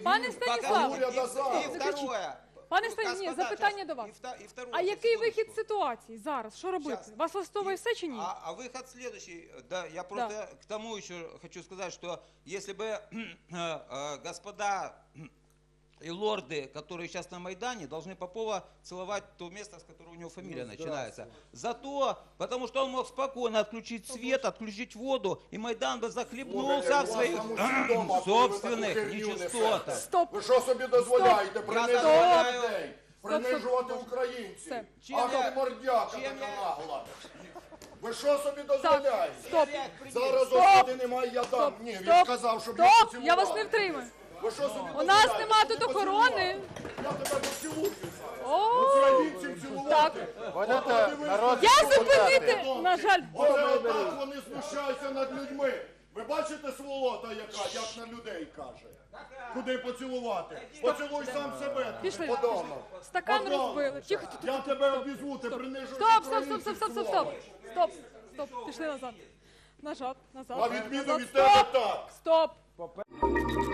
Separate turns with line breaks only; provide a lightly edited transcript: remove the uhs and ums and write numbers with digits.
Пане Станіслав,
И второе.
пане Станіслав, ні, запитання до вас. А який вихід з ситуації зараз? Що робити? Вас влаштовує все чи ні?
А выход следующий. Да, я просто к тому еще хочу сказать, что если бы господа и лорды, которые сейчас на Майдане, должны Попова целовать то место, с которого у него фамилия начинается. Зато, потому что он мог спокойно отключить свет, отключить воду, и Майдан бы захлебнулся в своих собственных нечистотах.
Стоп!
Ви що собі дозволяєте принижувати людей? Принижувати
Стоп.
українців?
Все.
Ага, мордяка така нагла. Ви що собі дозволяєте?
Стоп!
Зараз
Стоп.
господи немає, я дам. Ні, він
Стоп!
сказав, щоб я
Стоп!
поцілував.
Я вас не втримаю.
Ви що собі
У нас
дозволяєте?
нема
Щоб
тут
ти
охорони.
поцілував? Я тебе поцілую зараз.
О,
Українців цілувати.
я зупинити, на жаль.
Отак вони знущаються над людьми. Ви бачите сволота яка, як на людей каже? Куди поцілувати? Поцілуй сам себе.
Пішли.
Подонок.
Стакан
Подонок.
розбили. Тихо, тихо.
Я тебе обізву, ти принижуєш
Стоп, стоп,
українців,
стоп, стоп, стоп, стоп,
сволота.
стоп. Стоп, пішли назад. Назад, назад.
На відміну
назад.
від тебе
Стоп,
так.
стоп.